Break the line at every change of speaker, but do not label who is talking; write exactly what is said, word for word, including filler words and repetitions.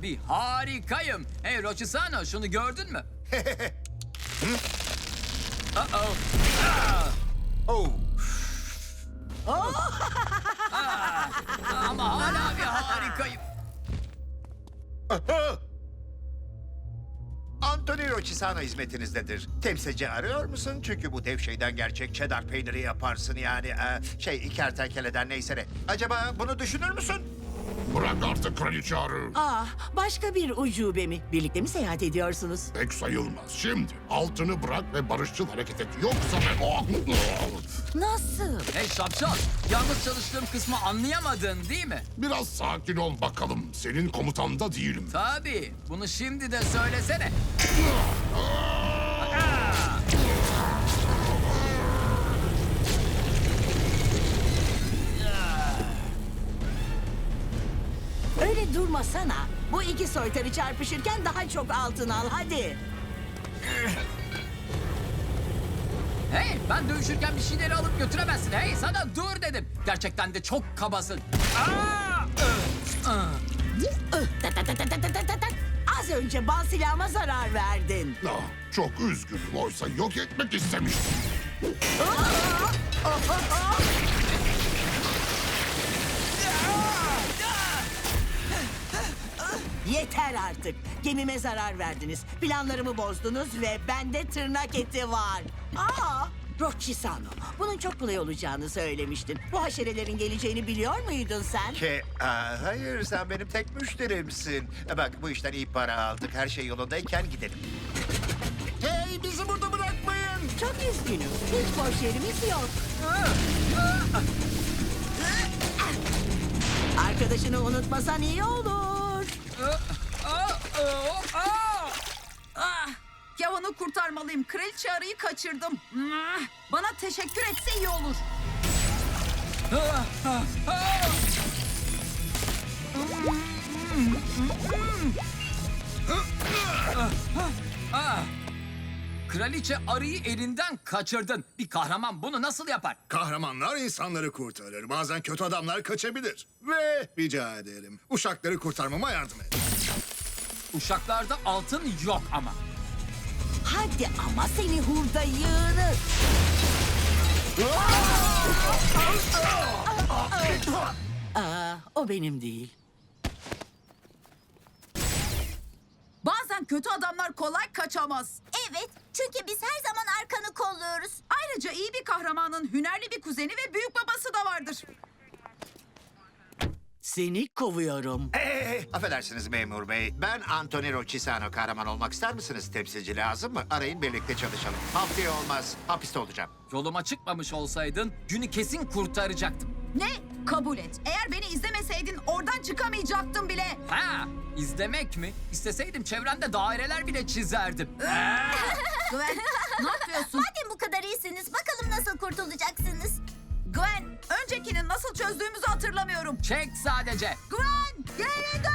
bir harikayım. Hey Rochisano, şunu gördün mü? Uh-oh.
Oh.
Ah, ama hala bir harikayım.
Anthony Rochisano hizmetinizdedir. Temsilci arıyor musun? Çünkü bu dev şeyden gerçek cheddar peyniri yaparsın yani. Ee, şey, kertenkeleden neyse ne. Acaba bunu düşünür müsün?
Bırak artık kraliçe arı.
Ah, başka bir ucube mi? Birlikte mi seyahat ediyorsunuz?
Pek sayılmaz. Şimdi altını bırak ve barışçıl hareket et. Yoksa ben...
Nasıl?
Hey şapşal, yalnız çalıştığım kısmı anlayamadın değil mi?
Biraz sakin ol bakalım. Senin komutanda değilim.
Tabii, bunu şimdi de söylesene.
Öyle durmasana. Bu iki soytarı çarpışırken daha çok altın al hadi.
Hey, ben dövüşürken bir şeyleri alıp götüremezsin. Hey, sana dur dedim. Gerçekten de çok kabasın. Aa!
Ih, tat tat tat tat tat tat tat. Az önce bal silahıma zarar verdin.
Ah, çok üzgünüm. Oysa yok etmek istemiştim.
Yeter artık. Gemime zarar verdiniz. Planlarımı bozdunuz ve bende tırnak eti var. Aa, Rochisano, bunun çok kolay olacağını söylemiştin. Bu haşerelerin geleceğini biliyor muydun sen?
Ke, aa, hayır, sen benim tek müşterimsin. E bak, bu işten iyi para aldık. Her şey yolundayken gidelim. Hey, bizi burada bırakmayın.
Çok üzgünüm. Hiç boş yerimiz yok. Arkadaşını unutmasan iyi olur.
Ah, Kevin'i kurtarmalıyım. Kraliçe arıyı kaçırdım. Ah, bana teşekkür etse iyi olur.
Kraliçe arıyı elinden kaçırdın. Bir kahraman bunu nasıl yapar?
Kahramanlar insanları kurtarır. Bazen kötü adamlar kaçabilir. Ve rica ederim, uşakları kurtarmama yardım et.
Uşaklarda altın yok ama.
Hadi ama seni hurda yığını. Aa, o benim değil.
Bazen kötü adamlar kolay kaçamaz.
Evet, çünkü biz her zaman arkanı kolluyoruz.
Ayrıca iyi bir kahramanın hünerli bir kuzeni ve büyük babası da vardır.
Seni kovuyorum.
Ee, affedersiniz memur bey. Ben Anthony Rochisano. Kahraman olmak ister misiniz? Temsilci lazım mı? Arayın, birlikte çalışalım. Haftaya olmaz. Hapiste olacağım.
Yoluma çıkmamış olsaydın günü kesin kurtaracaktım.
Ne? Kabul et. Eğer beni izlemeseydin oradan çıkamayacaktım bile.
Ha, izlemek mi? İsteseydim çevremde daireler bile çizerdim.
Gwen, ne yapıyorsun?
Madem bu kadar iyisiniz, bakalım nasıl kurtulacaksınız?
Gwen, öncekini nasıl çözdüğümüzü hatırlamıyorum.
Çek sadece.
Gwen, geri dön!